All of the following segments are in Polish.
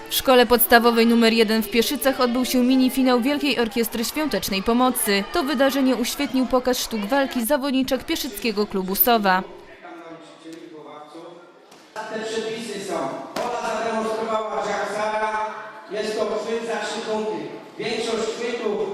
W szkole podstawowej nr 1 w Pieszycach odbył się mini-finał Wielkiej Orkiestry Świątecznej Pomocy. To wydarzenie uświetnił pokaz sztuk walki zawodniczek Pieszyckiego Klubu Sowa. Te przepisy są. Ola zademonstrowała Jacksara. Jest to chwyt za 3 punkty. Większość chwytów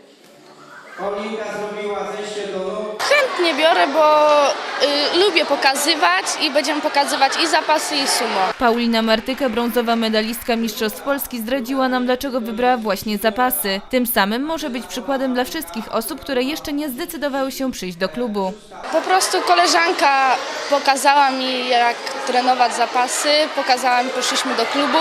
Olinka zrobiła zejście do nóg. Chętnie biorę, bo lubię pokazywać i będziemy pokazywać i zapasy, i sumo. Paulina Martyka, brązowa medalistka Mistrzostw Polski, zdradziła nam, dlaczego wybrała właśnie zapasy. Tym samym może być przykładem dla wszystkich osób, które jeszcze nie zdecydowały się przyjść do klubu. Po prostu koleżanka pokazała mi, jak trenować zapasy, pokazała mi, poszliśmy do klubu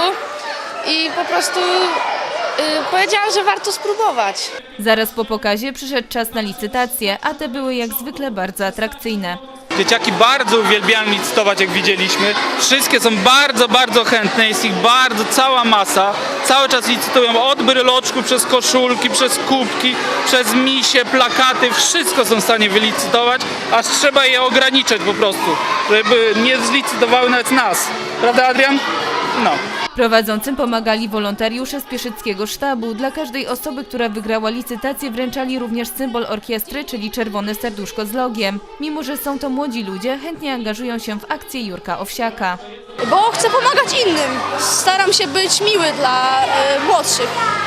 i po prostu powiedziałam, że warto spróbować. Zaraz po pokazie przyszedł czas na licytacje, a te były jak zwykle bardzo atrakcyjne. Dzieciaki bardzo uwielbiają licytować, jak widzieliśmy. Wszystkie są bardzo chętne, jest ich cała masa. Cały czas licytują od bryloczku, przez koszulki, przez kubki, przez misie, plakaty. Wszystko są w stanie wylicytować, aż trzeba je ograniczyć po prostu, żeby nie zlicytowały nawet nas. Prawda, Adrian? No. Prowadzącym pomagali wolontariusze z Pieszyckiego Sztabu. Dla każdej osoby, która wygrała licytację, wręczali również symbol orkiestry, czyli czerwone serduszko z logiem. Mimo że są to młodzi ludzie, chętnie angażują się w akcję Jurka Owsiaka. Bo chcę pomagać innym. Staram się być miły dla młodszych.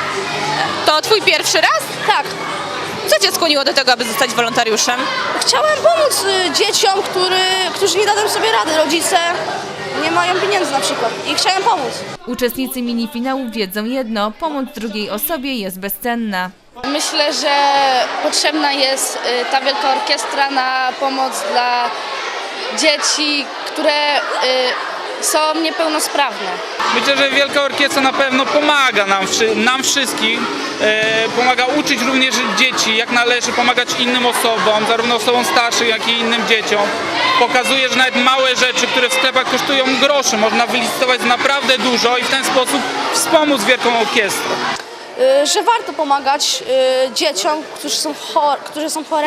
To twój pierwszy raz? Tak. Co cię skłoniło do tego, aby zostać wolontariuszem? Chciałem pomóc dzieciom, którzy nie dadzą sobie rady. Rodzice nie mają pieniędzy na przykład i chciałem pomóc. Uczestnicy mini-finału wiedzą jedno: pomoc drugiej osobie jest bezcenna. Myślę, że potrzebna jest ta wielka orkiestra na pomoc dla dzieci, które są niepełnosprawne. Myślę, że Wielka Orkiestra na pewno pomaga nam wszystkim, pomaga uczyć również dzieci, jak należy pomagać innym osobom, zarówno osobom starszym, jak i innym dzieciom. Pokazuje, że nawet małe rzeczy, które w sklepach kosztują groszy, można wylicytować naprawdę dużo i w ten sposób wspomóc Wielką Orkiestrę. Że warto pomagać dzieciom, którzy są chore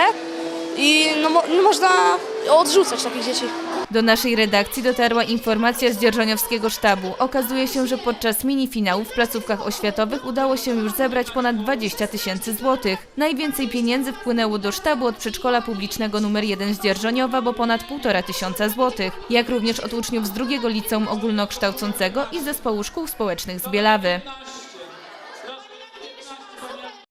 i nie można odrzucać takich dzieci. Do naszej redakcji dotarła informacja z dzierżoniowskiego sztabu. Okazuje się, że podczas mini-finału w placówkach oświatowych udało się już zebrać ponad 20 000 złotych. Najwięcej pieniędzy wpłynęło do sztabu od przedszkola publicznego nr 1 z Dzierżoniowa, bo ponad 1500 złotych, jak również od uczniów z drugiego liceum ogólnokształcącego i zespołu szkół społecznych z Bielawy.